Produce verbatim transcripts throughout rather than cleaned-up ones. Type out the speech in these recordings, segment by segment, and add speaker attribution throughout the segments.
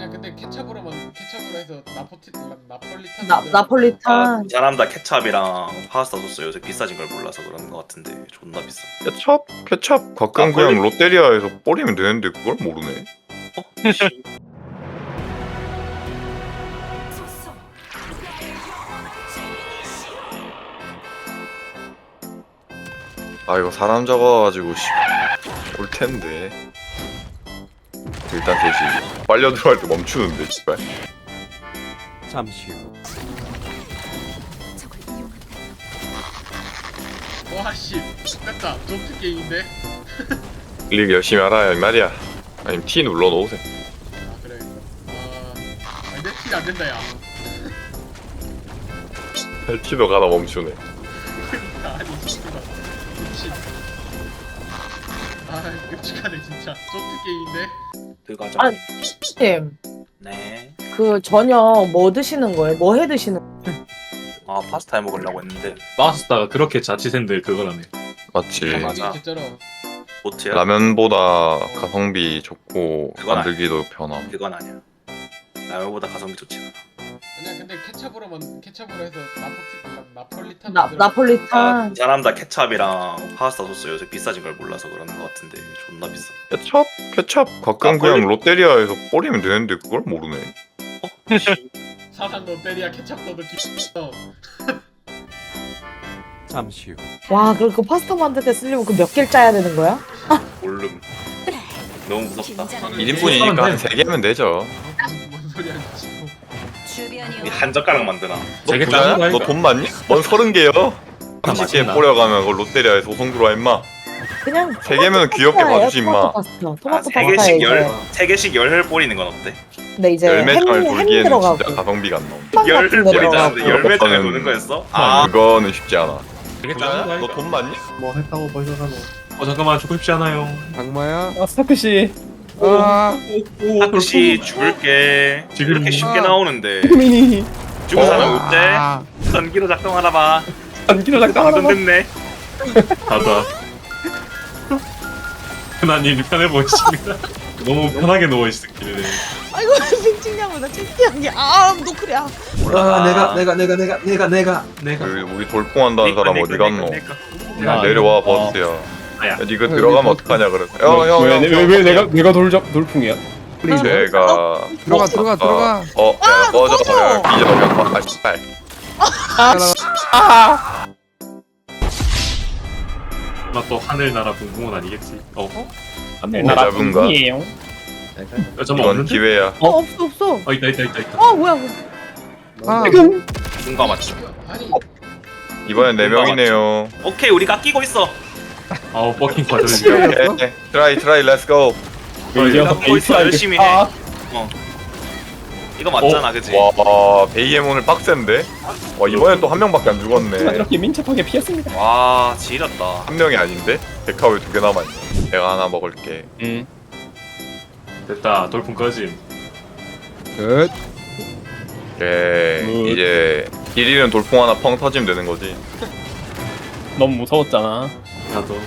Speaker 1: 아니야 근데 케찹으로만 케찹으로 해서 나포티 나폴리탄
Speaker 2: 나 나폴리탄.
Speaker 3: 아, 잘한다. 케찹이랑 파스타 소스 요새 비싸진 걸 몰라서 그런 거 같은데 존나 비싸.
Speaker 4: 케찹? 케찹 가끔
Speaker 3: 아,
Speaker 4: 그냥
Speaker 3: 걸리-
Speaker 4: 롯데리아에서 뿌리면 되는데 그걸 모르네.
Speaker 3: 어? 씨.
Speaker 4: 아 이거 사람 적어가지고 씨, 올 텐데. 일단 셋이 빨려 들어갈 때 멈추는데 씨발.
Speaker 5: 잠시 후
Speaker 1: 와씨 됐다 점프 게임인데.
Speaker 4: 클릭 열심히 알아야 이 말이야. 아니면 T 눌러 놓으세요.
Speaker 1: 아 그래. 아 근데 티가 안 된다 야.
Speaker 4: T도 가다 멈추네.
Speaker 1: 아니 진짜 미친. 아 끔찍하네 진짜 점프 게임인데.
Speaker 3: 들어가자.
Speaker 2: 아, 님,
Speaker 3: 네.
Speaker 2: 그 저녁 뭐 드시는 거예요? 뭐 해 드시는?
Speaker 3: 아 파스타 해 먹으려고 했는데
Speaker 6: 파스타가 그렇게 자취생들 그거라네.
Speaker 4: 맞지.
Speaker 3: 맞아.
Speaker 1: 개쩔어.
Speaker 3: 보트야.
Speaker 4: 라면보다 가성비 좋고
Speaker 3: 그건
Speaker 4: 만들기도 편함.
Speaker 3: 그건 아니야. 라면보다 가성비 좋지 않아.
Speaker 1: 아니야 근데 케찹으로만 케찹으로 해서 나포티 나폴리탄
Speaker 2: 나
Speaker 1: 만들어.
Speaker 2: 나폴리탄.
Speaker 3: 잘한다. 케찹이랑 파스타 소스 요새 비싸진 걸 몰라서 그런 거 같은데 존나 비싸.
Speaker 4: 케찹? 케찹 가끔
Speaker 3: 아,
Speaker 4: 그냥
Speaker 3: 걸리-
Speaker 4: 롯데리아에서 뿌리면 되는데 그걸 모르네.
Speaker 3: 어? 씨.
Speaker 1: 사상 롯데리아 케찹 넣어도 기어.
Speaker 5: 잠시 후
Speaker 2: 와, 그럼 그 파스타 만들 때 쓰려면 그 몇 개를 짜야 되는 거야?
Speaker 3: 몰름. 너무 무섭다.
Speaker 4: 일 인분이니까 한 세 개면 되죠.
Speaker 1: 뭔 소리야 지금.
Speaker 3: 이 한 젓가락 만드나?
Speaker 4: 너
Speaker 6: 되게
Speaker 4: 부자야?
Speaker 6: 짜증나,
Speaker 4: 너
Speaker 6: 이거.
Speaker 4: 돈 많니? 뭔 서른 개요? 삼십에
Speaker 6: 맞나?
Speaker 4: 뿌려가면 그걸 롯데리아에 소송 들어와 임마.
Speaker 2: 그냥
Speaker 4: 세 개면 귀엽게
Speaker 2: 파스타예요,
Speaker 4: 봐주지 임마.
Speaker 2: 토마토 파스타.
Speaker 3: 아,
Speaker 2: 토마토
Speaker 3: 세
Speaker 2: 파스타에
Speaker 3: 개씩
Speaker 2: 이제.
Speaker 3: 열, 세 개씩 열혈 뿌리는 건 어때?
Speaker 2: 근데 이제 햄,
Speaker 4: 열매장을
Speaker 2: 햄
Speaker 4: 돌기에는
Speaker 2: 들어가고
Speaker 4: 진짜 가성비가 안 나온다.
Speaker 2: 빵
Speaker 3: 열혈
Speaker 2: 같은 거
Speaker 3: 뿌리자는데
Speaker 2: 들어가고.
Speaker 3: 열매장을
Speaker 4: 그거는-
Speaker 3: 도는 거였어?
Speaker 4: 아
Speaker 3: 아,
Speaker 4: 그거는 쉽지 않아.
Speaker 6: 되게
Speaker 4: 부자야?
Speaker 6: 짜증나.
Speaker 4: 너 돈 많니?
Speaker 7: 뭐 했다고 벌써 가노?
Speaker 6: 어 잠깐만 죽고 싶지 않아요.
Speaker 5: 악마야
Speaker 7: 아 스타크 씨.
Speaker 6: 오,
Speaker 7: 아
Speaker 6: 오,
Speaker 3: 혹시 죽을게.
Speaker 6: 지금-
Speaker 3: 이렇게 쉽게
Speaker 7: 아.
Speaker 3: 나오는데
Speaker 7: 미니.
Speaker 3: 죽은 사람
Speaker 4: 어.
Speaker 3: 어때?
Speaker 7: 아
Speaker 3: 전기로 작동하나 봐.
Speaker 7: 안기로
Speaker 3: 방금
Speaker 7: 작당하라.
Speaker 3: 듣네.
Speaker 6: 가자. 하나님이 편해 보이십니다. 너무 편하게 누워 있었길래.
Speaker 8: 아이고 찡찡냐고 나 창피하게 아 노크리야
Speaker 6: 아 내가 내가 내가 내가 내가 내가 내가.
Speaker 4: 그 우리 돌풍한다는 사람 어디 갔노?
Speaker 6: 내가
Speaker 4: 야, 내려와 버스야.
Speaker 6: 아야.
Speaker 4: 야 니가 들어가면 어떡하냐 그래.
Speaker 7: 왜, 왜, 왜 내가 내가 돌적 돌풍이야?
Speaker 4: 제가
Speaker 5: 들어가 들어가 들어가
Speaker 4: 어, 야, 꺼져. 야, 이제 넘겨. 아, 씨발.
Speaker 6: 나 또 하늘나라 붕붕은 아니겠지. 어?
Speaker 7: 안내
Speaker 4: 어, 잡은가?
Speaker 7: 이에요.
Speaker 6: 야, 잠깐
Speaker 4: 이건
Speaker 6: 없는데?
Speaker 4: 기회야.
Speaker 2: 어, 없어 없어.
Speaker 6: 어 있다 있다 있다 있다.
Speaker 2: 어 뭐야? 뭐야.
Speaker 5: 아
Speaker 3: 뭔가 맞죠?
Speaker 1: 아니
Speaker 4: 이번엔 네 명이네요.
Speaker 3: 오케이 우리가 끼고 있어.
Speaker 6: 아우 버킹 과절.
Speaker 4: 오케이. 트라이 트라이 렛츠 고.
Speaker 3: 우리가 하고 있어. 열심히 해.
Speaker 7: 아,
Speaker 3: 어. 이거 맞잖아, 그치?
Speaker 4: 와, 베이엠 오늘 빡센데? 와, 이번엔 또 한 명밖에 안 죽었네.
Speaker 7: 이렇게 민첩하게 피했습니다.
Speaker 3: 와, 지렸다.
Speaker 4: 한 명이 아닌데? 데카 왜 두 개 남아있네. 내가 하나 먹을게.
Speaker 7: 응.
Speaker 6: 됐다 돌풍 꺼짐.
Speaker 5: 끝
Speaker 4: 오케이.
Speaker 7: 굿.
Speaker 4: 이제 일 위는 돌풍 하나 펑 터지면 되는 거지.
Speaker 7: 너무 무서웠잖아.
Speaker 6: 나도.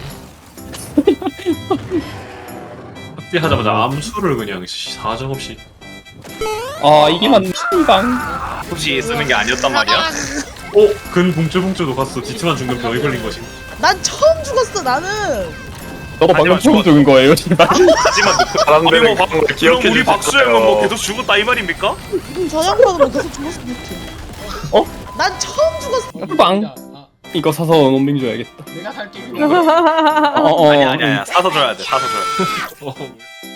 Speaker 6: 합의하자마자 암수를 그냥 사정없이.
Speaker 7: 아 이게 맞는 방.
Speaker 3: 굳이 쓰는 게 아니었단 말이야?
Speaker 6: 오! 근 봉줄봉줄도 갔어. 디트만 죽는 병이 걸린 것이.
Speaker 8: 난 처음 죽었어 나는
Speaker 7: 너도 방금
Speaker 3: 하지만
Speaker 7: 처음 죽은 거예요, 씨발.
Speaker 3: 하지만 우리
Speaker 4: 사람들은
Speaker 3: 뭐,
Speaker 4: 그런 걸
Speaker 3: 그럼
Speaker 4: 기억해
Speaker 3: 우리 박수영은
Speaker 4: 주셨어요.
Speaker 3: 뭐 계속 죽었다 이 말입니까?
Speaker 8: 그럼 저 양반은 계속 죽었어 못해
Speaker 7: 어?
Speaker 8: 난 처음 죽었어
Speaker 7: 빵.
Speaker 1: 아,
Speaker 7: 이거 사서 논빙 줘야겠다.
Speaker 1: 내가 살게
Speaker 7: 어, 어.
Speaker 3: 아니야 아니야 아니야 사서 줘야 돼 사서 줘야 돼.
Speaker 6: 어.